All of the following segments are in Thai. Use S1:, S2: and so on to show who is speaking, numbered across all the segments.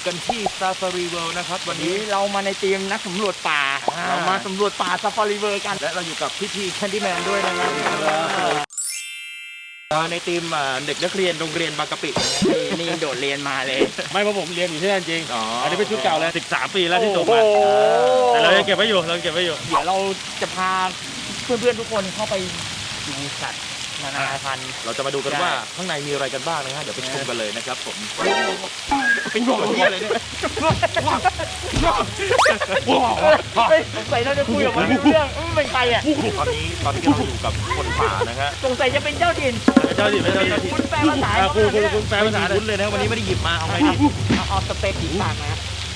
S1: กันที่ Safari World นะครับวันนี้
S2: เรามาในทีมนักสำรวจป่าเรามาสำรวจป่า Safari World กัน
S1: และเราอยู่กับพี่แคนดี้แมนด้วยนะครับในทีมเด็กนักเรียนโรงเรียนบางกะปิ
S2: นี่โดดเรียนมาเลย
S3: ไม่เพราะผมเรียนอยู่ที่นั่นจริง
S1: อ๋อ
S3: อันนี้เป็นชุดเก่าแล้ว13 ปีแล้วที่จบมาแต่เรายังเก็บไว้อยู่
S2: เดี๋ยวเราจะพาเพื่อนๆทุกคนเข้าไปดูสัตว์นานาพันธุ์
S1: เราจะมาดูกันว่าข้างในมีอะไรกันบ้างนะฮะเดี๋ยวไปชมกันเลยนะครับผม
S2: เป็นหัวที่อะไรเนี่ยสงสัยเราจะคุยกับมันเรื่องมันเป็นใครอ่ะ
S1: ตอนนี้เราอยู่กับคนป่านะฮะ
S2: สงสัยจะเป็นเจ้าถิ่นคุณแปลภาษา
S3: คุณแปลภาษา
S1: คุ้นเลยนะวันนี้ไม่ได้หยิบมาเอาไงดี
S2: เอาสเปคผีปากนะ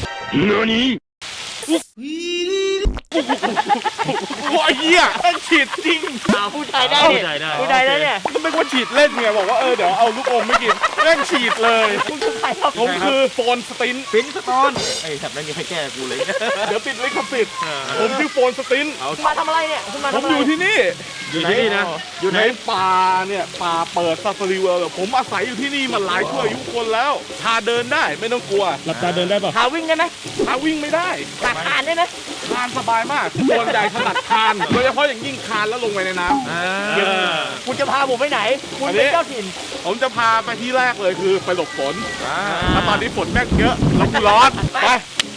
S3: ว้าเหี้ยต้องฉีดจริง
S2: ผู้ชายได้เนี่ย
S3: ไม่ว่าฉีดเล่นไงบอกว่าเดี๋ยวเอาลูกอมไม่กินแม่งฉีดเลยผมคือโฟนสติน
S1: สตอนไอ้แถบนั้นยังไม่แก้กูเลย
S3: เดี๋ยวติดลิขสิทธิ์ผมชื่อโฟนสติน
S2: มาทำอะไรเนี่ย
S3: ผมอยู่ที่นี่นะอยู่ในป่าเนี่ยป่าเปิดซาฟารีเวิลด์ผมอาศัยอยู่ที่นี่มาหลายชั่วอายุคนแล้วพาเดินได้ไม่ต้องกลัว
S2: หลับตาเดินได้ป่ะพาวิ่งได้ไหม
S3: พาวิ่งไม่ได้
S2: พาคานได้ไหม
S3: คานสบายมากส่วนใหญ่ถนัดคานโดยเฉพาะอย่างยิ่งคานแล้วลงไปในน้ำ
S2: คุณจะพาผมไปไหนคุณเป็นเจ้าถิ่น
S3: ผมจะพาไปที่แรกเลยคือไปหลบฝนแล้วตอนนี้ฝนแม่งเยอะแล้วกูร้อนไป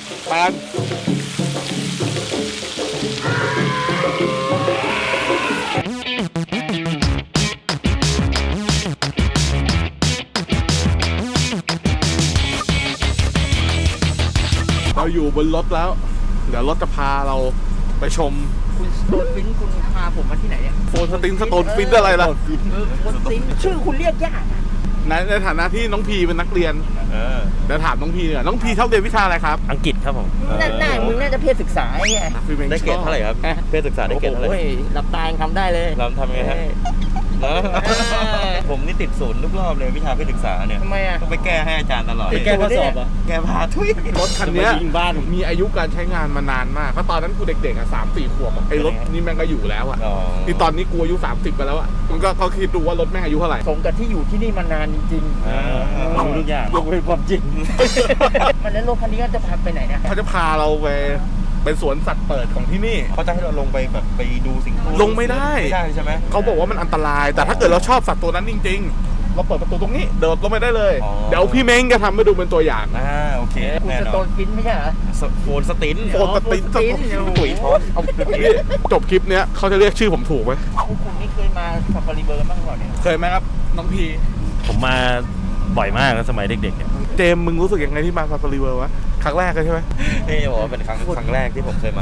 S3: เราอยู่บนรถแล้วเดี๋ยวรถจะพาเราไปชม
S2: คุณสโตนฟินคุณพาผมมาที่ไหนเนี่ย
S3: โฟนสตินสโตนฟินอะไรล่ะ
S2: โฟนสตินชื่อคุณเรียกยาก
S3: ในฐานะที่น้องพีเป็นนักเรียนเดี๋ยวถามน้องพีเนี่ยน้องพีชอบเรียนวิชาอะไรครับ
S1: อังกฤษครับผม
S2: หน้ามึงน่าจะเพศศึกษาไง
S1: ได้เกรดเท่าไหร่ครับเพศศึกษาได้เกรดเท่าไหร่
S2: หลับตาทำได้เลย
S1: เราทำยังไงฮะผมนี่ติดศูนย์ทุกรอบเลยวิชาเพศศึกษาเนี่ย
S2: ทำไมอ่ะ
S1: ต้องไปแก้ให้อาจารย์ตลอด
S3: ไปแก้ข้อสอบอ่ะ
S1: แก้พาทุย
S3: รถคันนี้มีอายุการใช้งานมานานมากเพราะตอนนั้นกูเด็กๆอ่ะ3-4 ขวบไอ้รถนี่แม่งก็อยู่แล้วอ่ะที่ตอนนี้กูอายุ30ไปแล้วอ่ะมันก็เขาคิดดูว่ารถแม่งอายุเท่าไหร่
S2: สมกับที่อยู่ที่นี่มานานจริง
S3: ๆรู้ทุกอย่างยกเว้นความจริง
S2: มันนั้นรถคันนี้ก็จะพาไปไหนเนี่ย
S3: เขาจะพาเราไปเป็นสวนสัตว์เปิดของที่นี่
S1: เขาจะให้เราลงไปแบบไปดูสิ่ง
S3: ลงไม่ได้
S1: ใช่ไหม
S3: เขาบอกว่ามันอันตรายแต่ถ้าเกิดเราชอบสัตว์ตัวนั้นจริงๆเราเปิดประตูตรงนี้เดินลงไปได้เลยเดี๋ยวพี่เม้งจะทำให้ดูเป็นตัวอย่าง
S1: โอเค
S2: คุณสโตนฟินไม่ใช่เหรอ
S1: โฟนสติน
S3: ปุ๋ยท้องจบคลิปเนี้ยเขาจะเรียกชื่อผมถูกไหม
S2: คุณนี่เคยมาซาฟารีเวิลด์บ้างก่อนเนี่ย
S3: เคยไหมครับน้องพี
S1: ผมมาบ่อยมากสมัยเด็กๆเนี่ย
S3: เจมมึงรู้สึกยังไงที่มาซาฟารีเวิลด์วะครั้งแรกเลยใช่ไหม
S1: นี่จะบอกว่าเป็นครั้งแรกที่ผมเคยมา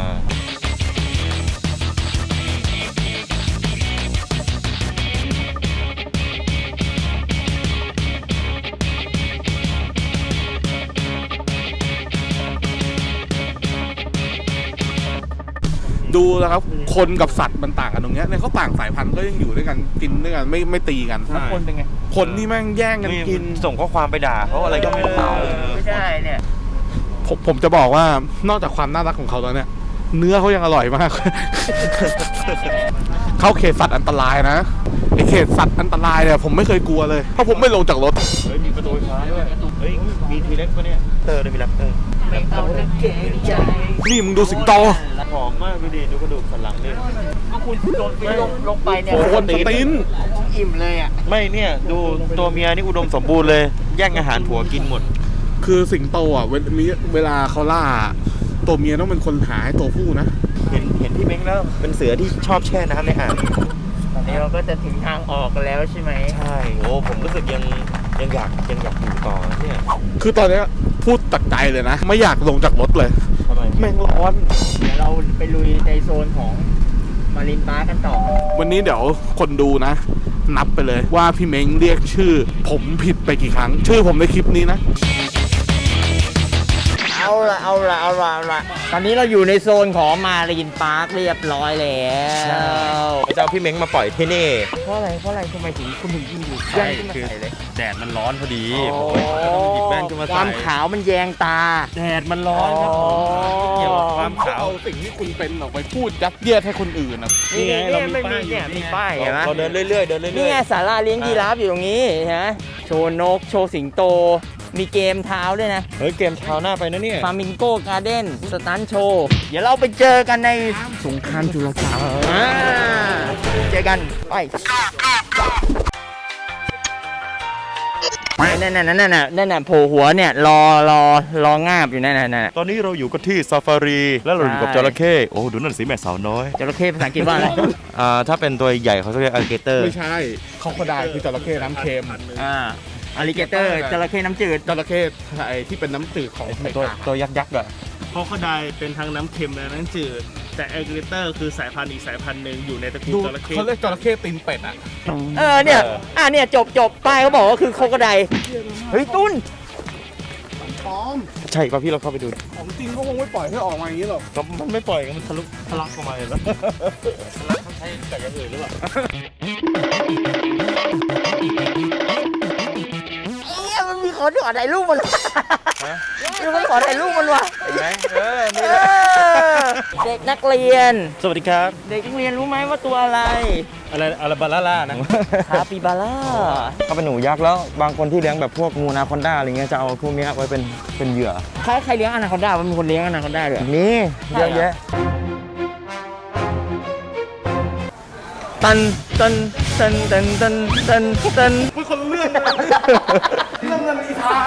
S3: ดูแล้วครับคนกับสัตว์มันต่างกันตรงเนี้ยเนี่ยเขาต่างสายพันธุ์ก็ยังอยู่ด้วยกันกินด้วยกันไม่ตีกัน
S2: คนเป็นไง
S3: คนนี่แม่งแย่งกันกิน
S1: ส่งข้อความไปด่าเขาอะไรก็ไม่รู้
S2: ไม่ใช่เนี่ย
S3: ผมจะบอกว่านอกจากความน่ารักของเขาแล้วเนี่ยเนื้อเขายังอร่อยมากเข้าเขตสัตว์อันตรายนะไอเขตสัตว์อันตรายเนี่ยผมไม่เคยกลัวเลยเพราะผมไม่ลงจากรถ
S1: มีประตูไฟฟ้าด้วยมีทีเล็กปะเนี่ยได้มีแรปเตอร์
S2: ไม่เอาเก่งใจ
S3: นี่มึงดูสิงโต
S1: หอมมากดูดิดูกระดูกสันหลังดิ
S2: ก็คุณโดนลงไปเนี่ย
S3: โฟนสติน
S2: อิ่มเลยอ่ะ
S1: ไม่เนี่ยดูตัวเมียนี่อุดมสมบูรณ์เลยแย่งอาหารผัวกินหมด
S3: คือสิงโตอ่ะเวลาเขาล่าตัวเมียต้องเป็นคนหาให้ตัวผู้นะ
S1: เห็นพี่เม้งแล้วเป็นเสือที่ชอบแช่น้ำในอ่าง
S2: ตอนนี้เราก็จะถึงทางออกกันแล้วใช่ไหม
S1: ใช่โอ้ผมรู้สึกยังอยากอยู่ต่อเนี่ย
S3: คือตอนนี้พูดตัดใจเลยนะไม่อยากลงจากรถเลย
S1: ทำไม
S3: แม่งร้อน
S2: เดี๋ยวเราไปลุยในโซนของมารินปาร์คกันต่อ
S3: วันนี้เดี๋ยวคนดูนะนับไปเลยว่าพี่เม้งเรียกชื่อผมผิดไปกี่ครั้งชื่อผมในคลิปนี้นะ
S2: เอาละตอนนี้เราอยู่ในโซนของมารีนปาร์คเรียบร้อยแล้ว
S1: เจ้าพี่เม้งมาปล่อยที่นี่
S2: เพราะอะไรทำไมถึงคุณถึงยืนอยู่แย่งขึ้นมาใส่เลย
S1: แดดมันร้อนพอดีผมหยิบแว่นขึ้นมาใส่
S2: ความขาวมันแยงตา
S1: แดดมันร้อนครับเกี่ยวกับความขาว
S3: เอาสิ่งที่คุณเป็นออกไปพูดยัดเยียดให้คนอื่นนะ
S2: นี่ไงเรามีป้ายเห็นไหม
S1: เราเดินเรื่อย
S2: นี่ไงศาลาเลี้ยงยีราฟอยู่ตรงนี้ฮะโชว์นกโชว์สิงโตมีเกมเท้าด้วยนะ
S1: เฮ้ยเกมเท้าหน้าไปนะเนี่ย
S2: ฟามิงโกการ์เด้นสตันโชว์เดี๋ยวเราไปเจอกันในสงครามจุลกรรมเจอกันไปนั่นน่ะโผล่หัวเนี่ยรองาบอยู่นั่น
S1: ตอนนี้เราอยู่กันที่ซาฟารีแล้วเราอยู่กับจระเข้โอ้ดูนั่นสิแม่สาวน้อย
S2: จระเข้ภาษาอังกฤษว่าอะไร
S1: ถ้าเป็นตัวใหญ่เขาจะเรียกอ l ลิเกเตอร์
S3: ไม่ใช่คอโคไดคือจระเข้น้ำเค็ม
S2: อลิเกเตอร์จระเข้น้ำจืด
S3: จระเข้ไอ้ที่เป็นน้ำจืดของไทย
S1: ตัวยักษ์อะ
S4: เพราะเขาได้เป็นทั้งน้ำเค็มและน้ำจืด แต่แอลลิเกเตอร์คือสายพันธุ์อีกสายพันธุ์หนึ่งอยู่ในตระกูล
S3: ดู
S4: จระเข้
S3: เขาเรียกจระเข้ตีนเป็ดอ่ะ
S2: เนี่ยจบป้ายเขาบอกว่าคือโคกระไดเฮ้ยตุ้น
S3: ปลอม
S1: ใช่ป่ะพี่เราเข้าไปดู
S3: ของจริงก็คงไม่ปล่อยให้ออกมาอย่างนี้หรอก
S1: ก็มันไม่ปล่อยกันมันทะลักออกมาเลยแล้วเขาใช้แต่อย่างอื่นหรือเปล่า
S2: มันมีคนขอถ่ายรูปมันมีคนขอถ่ายรูปมันว่ะ
S1: ไหนนี่
S2: เด็กนักเรียน
S1: สวัสดีครับ
S2: เด็กนักเรียนรู้ไหมว่าตัวอะไร
S1: อะไรบาล่านะ
S2: คาปิบาร่า
S1: เขาเป็นหนูยักษ์แล้วบางคนที่เลี้ยงแบบพวกงูนาคอนด้าอะไรเงี้ยจะเอาพวกเนี้ยไว้เป็นเหยื่อ
S2: ใครเลี้ยงอนาคอนด้ามันมีคนเลี้ยงอนาคอนด้าด้วย
S1: นี่เยอะแยะ
S2: ตัน
S3: เป็นคนเรื่องเรื่องเงินอีทาง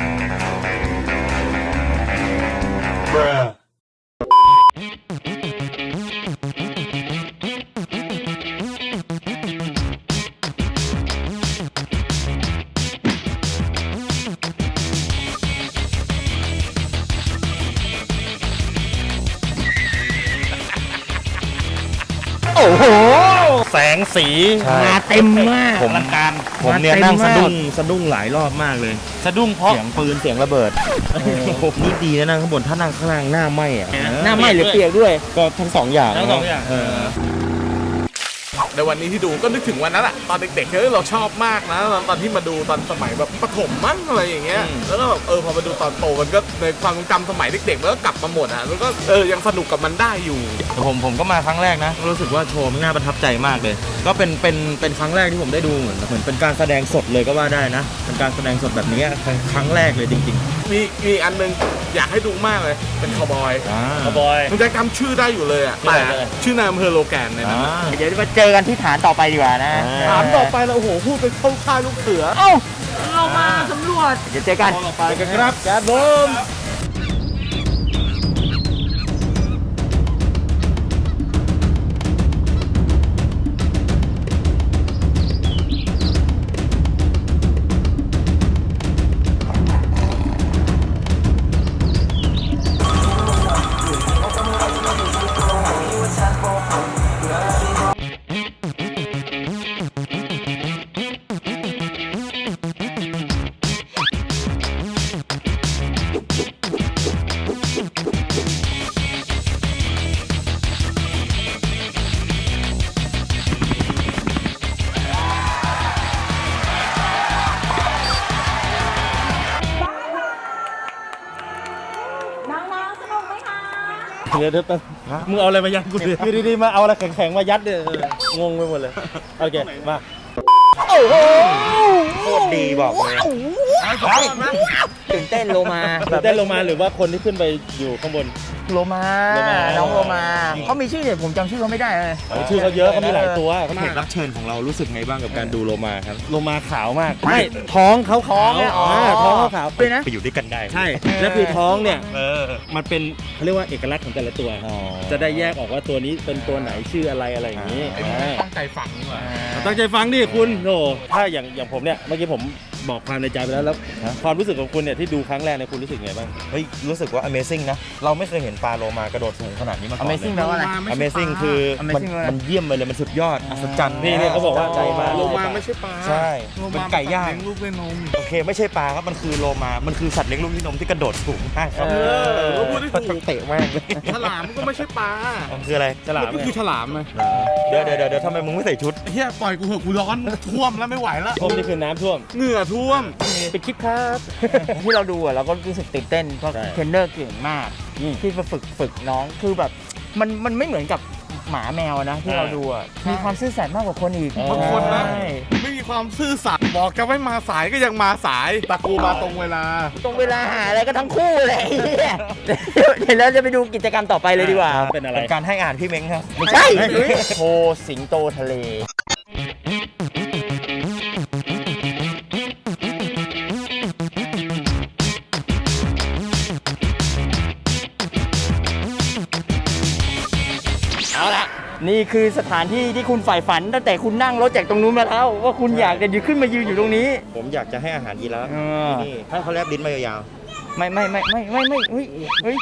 S2: โอ้โห
S1: แสงสี
S2: มาเต็มมาก
S1: ผมเนี่ยนั่งสะดุ้งหลายรอบมากเลยสะดุ้งเพราะเสียงปืนเสียงระเบิดนี่ดีนะนั่งข้างบนถ้านั่งข้างล่างหน้าไหม้อะ
S2: หน้าไหม้หรือเปียกด้วย
S1: ก็ทั้งสองอย่าง
S4: ทั้งสองอย่าง
S3: ในวันนี้ที่ดูก็นึกถึงวันนั้นแหละตอนเด็กๆเราชอบมากนะตอนที่มาดูตอนสมัยแบบประถมมั้งอะไรอย่างเงี้ยแล้วก็แบบพอมาดูตอนโตมันก็ในความทรงจำสมัยเด็กๆมันก็กลับมาหมดอ่ะแล้วก็ยังสนุกกับมันได้อยู่
S1: ผมก็มาครั้งแรกนะรู้สึกว่าโชว์มันน่าประทับใจมากเลย ก็เป็นครั้งแรกที่ผมได้ดูเหมือนเป็นการแสดงสดเลยก็ว่าได้นะเป็นการแสดงสดแบบนี้ครั้งแรกเลยจริง
S3: มีอันนึงอยากให้ดูมากเลยเป็นคาวบอย
S1: ๆ
S4: คาวบอย
S3: มันจะจำชื่อได้อยู่เลยอ่ะแต่ชื่อนายอำเภอโลแกนในนั้น
S2: เดี๋ยวมาเจอกันที่ฐานต่อไปดีกว่านะ
S3: ถามต่อไปแล้วโอ้โหพูดเป็นเข้าค่ายลูกเสือ
S2: เอ้าเรามาสำรวจ เดี๋ยวเจอกัน
S3: ไปกันครับ
S1: ครับผม
S5: น้องๆสนุกไหมคะ
S4: เดี๋ยวมึงเอาอะไรมายัดกูดิอยู่ดีๆมาเอาอะไรแข็งๆมายัดเนี่ยงงไปหมดเลยโอเคมา
S2: โอ้โห
S1: โคตรดีบอกเลย
S2: ตื่นเต้นโลมา
S4: เต้นลงมาหรือว่าคนที่ขึ้นไปอยู่ข้างบน
S2: โลมา
S4: โลมา
S2: น้องโลมาเขามีชื่อเดี๋ยวผมจำชื่อเขาไม่ได้เลย
S4: ชื่อเขาเยอะเขามีหลายตัว
S1: แขกรับเชิญของเรารู้สึกไงบ้างกับการดูโลมาครับ
S4: ลงมาขาวมากไม่ท้องเขาขาว ท้องเขาขาว
S2: ด้วยนะ
S1: ไปอยู่ด้วยกันได้
S4: ใช่แล้วคือท้องเนี่ย
S1: เออ
S4: มันเป็นเขาเรียกว่าเอกลักษณ์ของแต่ละตัว
S1: อ๋อ
S4: จะได้แยกออกว่าตัวนี้เป็นตัวไหนชื่ออะไรอะไรอย่างนี้
S3: ตั้งใจฝังดีกว่า
S4: ตั้งใจฟังดิคุณโธ่ถ้าอย่างผมเนี่ยเมื่อกี้ผมบอกความในใจไปแล้วความรู้สึกของคุณเนี่ยที่ดูครั้งแรกเนี่ยคุณรู้สึกไงบ้าง
S1: เฮ้ยรู้สึกว่า Amazing นะเราไม่เคยเห็นปลาโลมากระโดดสูงขนาดนี้มาก่อนเลย
S2: Amazing แปลว่าอะไร
S1: Amazing คือมัน
S2: Amazing เลย
S1: มันเยี่ยมไปเลยมันสุดยอดอัศจรรย์
S4: นี่เขาบอกว่าใจมา
S3: โลมาไม่ใช่ปลา
S1: ใช่
S3: โล
S1: เป็น
S3: มา
S1: ไก่ย่าง
S3: เลี้ยงลูกด้วยนม
S1: โอเคไม่ใช่ปลาครับมันคือโลมา มันคือสัตว์เลี้ยงลูกด้วยนมที่กระโดดสูงมากครับ
S3: ก็พูดได้ถูก
S1: เตะมากเลย
S3: ฉลามก็ไม่ใช่ปลา
S1: มันคืออะไร
S4: ฉลาม
S3: ก็คือฉลามไง
S1: เดี๋ยวทำไมมึงไม่ใส่ชุด
S3: เฮียปล่อยกูเหอะกูร้อนท่วมแล้วไม่ไหวแล้ว
S4: ท่วมนี่คือน้ำท่วม
S3: เหงื่อท่วม
S4: เป็นคลิปครับ
S2: ที่เราดูอะเราก็รู้สึกตื่นเต้นเพราะ
S4: ใช่
S2: เทรนเนอร์เก่งมาก ที่มาฝึกน้องคือแบบมันไม่เหมือนกับหมาแมวนะที่เราดูอะมีความซื่อสัตย์มากกว่าคนอีก
S3: บางคนนะ
S2: ใช่
S3: ไม่มีความซื่อสัตย์บอกจะไม่มาสายก็ยังมาสายตะกูมาตรงเวลา
S2: ตรงเวลาหาอะไรก็ทั้งคู่เลยไอ้เหี้ยเดี๋ยวเราจะไปดูกิจกรรมต่อไปเลยดีกว่า
S4: เป็นอะไร
S1: เป็นการให้อาหารพี่เม้งครับ
S2: ไม่ใช่โชว์สิงโตทะเล เอาละนี่คือสถานที่ที่คุณใฝ่ฝันตั้งแต่คุณนั่งรถจากตรงนู้นมาแล้วว่าคุณอยากจะขึ้นมายืนอยู่ตรงนี้
S1: ผมอยากจะให้อาหารยีราฟ
S2: เออ
S1: ที่นี่ให้เขาแลบลิ้นมายาว
S2: ไม่เฮ้ย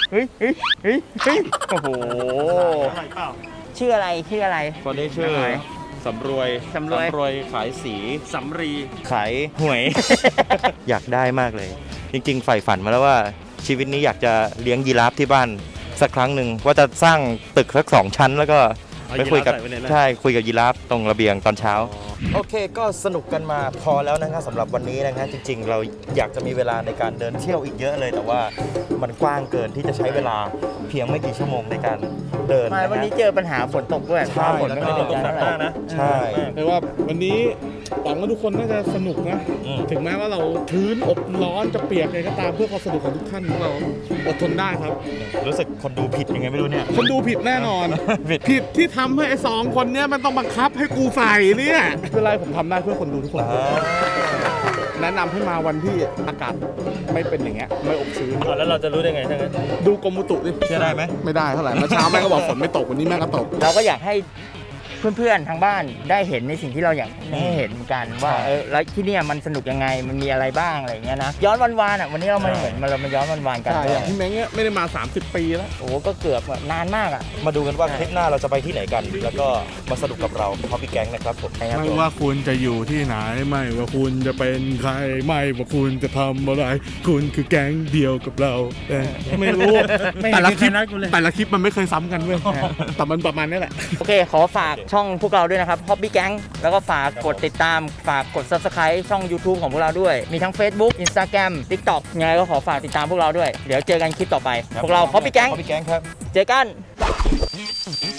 S2: โอ้โหชื่ออะไร
S1: ๆคนนี้ชื่อ
S2: ไหน
S1: สำรวย
S2: สำรวย
S1: ขายสี
S4: สำรี
S1: ขายหวย อยากได้มากเลย จริงๆใฝ่ฝันมาแล้วว่าชีวิตนี้อยากจะเลี้ยงยีราฟที่บ้านสักครั้งหนึ่งว่าจะสร้างตึกสัก2 ชั้นแล้วก็
S4: เอา
S1: ไปคุยกับ
S4: ยีราฟใส่ไว้ในนั้น
S1: ใช่คุยกับยีราฟตรงระเบียงตอนเช้า โอเคก็สนุกกันมาพอแล้วนะครับสำหรับวันนี้นะครับจริงๆ เราอยากจะมีเวลาในการเดินเที่ยวอีกเยอะเลย แต่ว่ามันกว้างเกินที่จะใช้เวลาเพียงไม่กี่ชั่วโมงในการเดิน
S2: มา
S1: นะ
S2: วันนี้
S1: ฮะ
S2: เจอปัญหาฝนตกด้วย
S1: ใช่
S2: ฝนไม่เป็นใจเท่าไหร่
S4: นะ
S1: ใช่
S3: แต่ว่าวันนี้หวังว่าทุกคนน่าจะสนุกนะ
S1: อืม
S3: ถึงแม้ว่าเราชื้นอบร้อนจะเปียกอะไรก็ตามเพื่อความสนุกของทุกท่านพวกเราอดทนได้ครับ
S1: รู้สึกคนดูผิดยังไงไม่รู้เนี่ย
S3: คนดูผิดแน่นอน
S1: ผิด
S3: ผิดที่ทำให้ไอ้2 คนเนี้ยมันต้องบังคับให้กูใส่เนี่ยไม่เป็นไรผมทำได้เพื่อคนดูทุกคน แนะนำให้มาวันที่อากาศไม่เป็นอย่างเงี้ยไม่อบชื้น
S4: แล้วเราจะรู้ได้ไงถ้างั้น
S3: ดูกรมอุตุดิ
S1: เชื่อได้ไหม
S3: ไม่ได้เท่าไหร่เมื่อเช้าแม่งก็บอกฝนไม่ตกวันนี้แม่งก็ตก
S2: เราก็อยากให้เพื่อนๆทางบ้านได้เห็นในสิ่งที่เราอยากให้เห็นเหมือนกันว่าแล้วที่เนี่ยมันสนุกยังไงมันมีอะไรบ้างอะไรอย่างเงี้ยนะย้อนวันๆอ่ะวันนี้เรามาเหมือนเรามาย้อนวันๆกัน
S3: ใช่อย่างพี่เม้งเนี่ยไม่ได้มา 30 ปีแล้ว
S2: โอ้โหก็เกือบแบบนานมากอ่ะ
S1: มาดูกันว่าคลิปหน้าเราจะไปที่ไหนกัน แล้วก็มาสนุกกับเราพอพี่แก๊งนะครับผม
S3: ไม่ว่าคุณจะอยู่ที่ไหนไม่ว่าคุณจะเป็นใครไม่ว่าคุณจะทำอะไร คุณคือแก๊งเดียวกับเราไม่รู้
S4: ไม่เห็น
S3: แต่ละคลิป
S4: มีใครนัดกูเลย
S3: แต่ละคลิปมันไม่เคยซ้ำกันเว้ยแต่มันประมาณนี้แหละ
S2: โอเคขอฝากช่องพวกเราด้วยนะครับ Hobby Gang แล้วก็ฝากกดติดตามฝากกด Subscribe ช่อง YouTube ของพวกเราด้วยมีทั้ง Facebook Instagram TikTok ยังไงก็ขอฝากติดตามพวกเราด้วยเดี๋ยวเจอกันคลิปต่อไปพวกเรา Hobby Gang
S1: พอพี่แก๊งครับ
S2: เจอกัน